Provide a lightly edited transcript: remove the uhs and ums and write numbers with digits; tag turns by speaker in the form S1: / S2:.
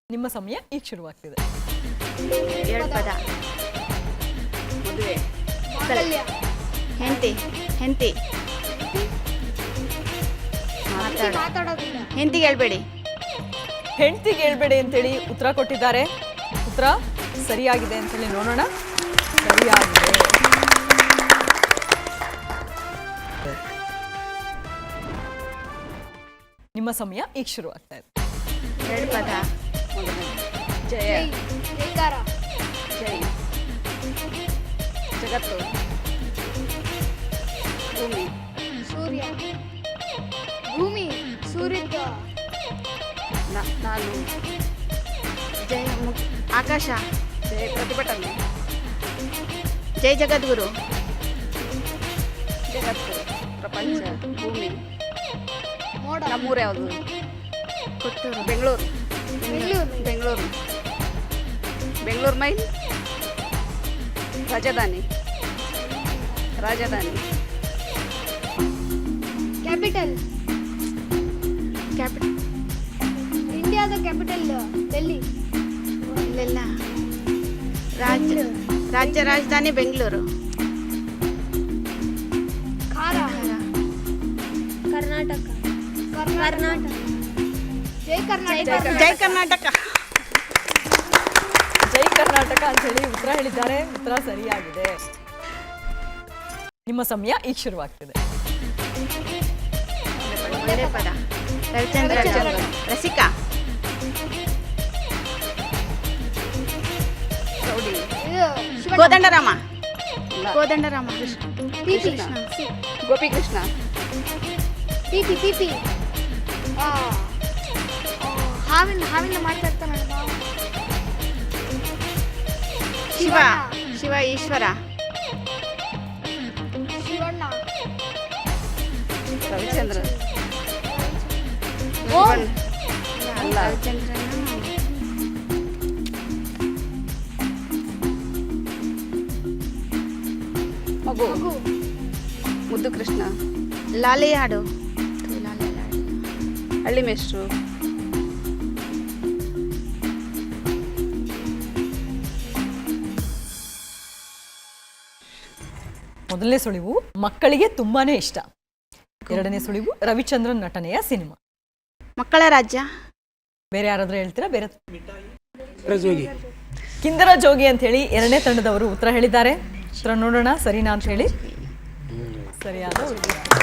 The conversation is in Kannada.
S1: ನಿಮ್ಮ ಸಮಯ ಈಗ ಶುರುವಾಗ್ತಿದೆ.
S2: ಎರಡು ಪದ.
S3: ಮದುವೆ,
S2: ಹೆಂಡತಿ ಹೆಂಡತಿ
S3: ಮಾತಾಡೋದಿಲ್ಲ,
S2: ಹೆಂಡತಿಗೆ ಹೇಳ್ಬೇಡಿ.
S1: ಹೆಂಡತಿಗೆ ಹೇಳ್ಬೇಡಿ ಅಂತೇಳಿ ಉತ್ತರ ಕೊಟ್ಟಿದ್ದಾರೆ. ಉತ್ತರ ಸರಿಯಾಗಿದೆ ಅಂತೇಳಿ ನೋಡೋಣ. ಸರಿಯಾಗಿದೆ. ನಿಮ್ಮ ಸಮಯ ಈಗ ಶುರುವಾಗ್ತಾ ಇದೆ.
S2: ಎರಡು ಪದ.
S3: ಮದುವೆ, ಜಯ,
S4: ಜೈಕಾರ,
S3: ಜೈ, ಜಗತ್ತು, ಭೂಮಿ,
S4: ಸೂರ್ಯ, ಭೂಮಿ, ಸೂರ್ಯದ,
S3: ನಾನು,
S2: ಜೈ ಆಕಾಶ,
S3: ಜಯ ಪ್ರತಿಭಟನೆ,
S2: ಜೈ ಜಗದ್ಗುರು,
S3: ಜಗತ್ತು, ಪ್ರಪಂಚ, ಭೂಮಿ.
S4: ಮೋಡ,
S3: ನಮ್ಮೂರು ಯಾವುದು?
S2: ಕೊಟ್ಟೂರು,
S3: ಬೆಂಗಳೂರು,
S4: ಬೆಂಗಳೂರು,
S3: ಬೆಂಗಳೂರು, ಬೆಂಗಳೂರು ಮೈಲ್, ರಾಜಧಾನಿ, ರಾಜಧಾನಿ,
S4: ಕ್ಯಾಪಿಟಲ್,
S2: ಕ್ಯಾಪಿಟಲ್
S4: ಇಂಡಿಯಾದ ಕ್ಯಾಪಿಟಲ್ ಡೆಲ್ಲಿ,
S2: ಇಲ್ಲೆಲ್ಲ ರಾಜ್ಯ ರಾಜಧಾನಿ ಬೆಂಗಳೂರು.
S4: ಖಾರ, ಕರ್ನಾಟಕ, ಕರ್ನಾಟಕ, ಜೈ ಕರ್ನಾಟಕ,
S2: ಜೈ ಕರ್ನಾಟಕ.
S1: ಜೈ ಕರ್ನಾಟಕ ಅಂತ ಹೇಳಿ ಉತ್ತರ ಹೇಳಿದ್ದಾರೆ. ಉತ್ತರ ಸರಿಯಾಗಿದೆ. ನಿಮ್ಮ ಸಮಯ ಈಗ ಶುರುವಾಗ್ತಿದೆ.
S2: ಒಂದೇ ಪದ. ರವಿಚಂದ್ರ, ರಸಿಕಾ,
S3: ರೌಡಿ,
S4: ಇದು ಶಿವಣ್ಣ,
S2: ಕೋದಂಡರಾಮ,
S3: ಇಲ್ಲ,
S2: ಕೋದಂಡರಾಮ,
S4: ಪಿಪಿ,
S3: ಗೋಪಿಕೃಷ್ಣ,
S4: ಪಿಪಿ, ಹಾವಿಂದ ಮಾಡ್ತಾ ಇರ್ತಾನೆ ಮಾವ.
S2: ಶಿವ, ಶಿವ ಈಶ್ವರ,
S4: ಶಿವಣ್ಣ,
S3: ರವಿಚಂದ್ರ,
S4: ಓಂ,
S3: ಅಲ್ಲ,
S2: ರವಿಚಂದ್ರನ,
S3: ಮಗು,
S4: ಮಗು,
S3: ಮುದ್ದು ಕೃಷ್ಣ,
S2: ಲಾಲಿ ಹಾಡು,
S3: ಹಳ್ಳಿ ಮೇಷ್ಟ್ರು,
S1: ಮೊದಲನೇ ಸುಳಿವು ಮಕ್ಕಳಿಗೆ ತುಂಬಾನೇ ಇಷ್ಟ. ಎರಡನೇ ಸುಳಿವು ರವಿಚಂದ್ರನ್ ನಟನೆಯ ಸಿನಿಮಾ.
S2: ಮಕ್ಕಳ ರಾಜ್ಯ,
S1: ಬೇರೆ ಯಾರಾದ್ರೂ ಹೇಳ್ತೀರಾ? ಬೇರೆ
S5: ಜೋಗಿ,
S1: ಕಿಂದರ ಜೋಗಿ ಅಂತ ಹೇಳಿ ಎರಡನೇ ತಂಡದವರು ಉತ್ತರ ಹೇಳಿದ್ದಾರೆ. ಉತ್ತರ ನೋಡೋಣ ಸರಿನಾ ಅಂತ ಹೇಳಿ. ಸರಿಯಾದ ಉತ್ತರ.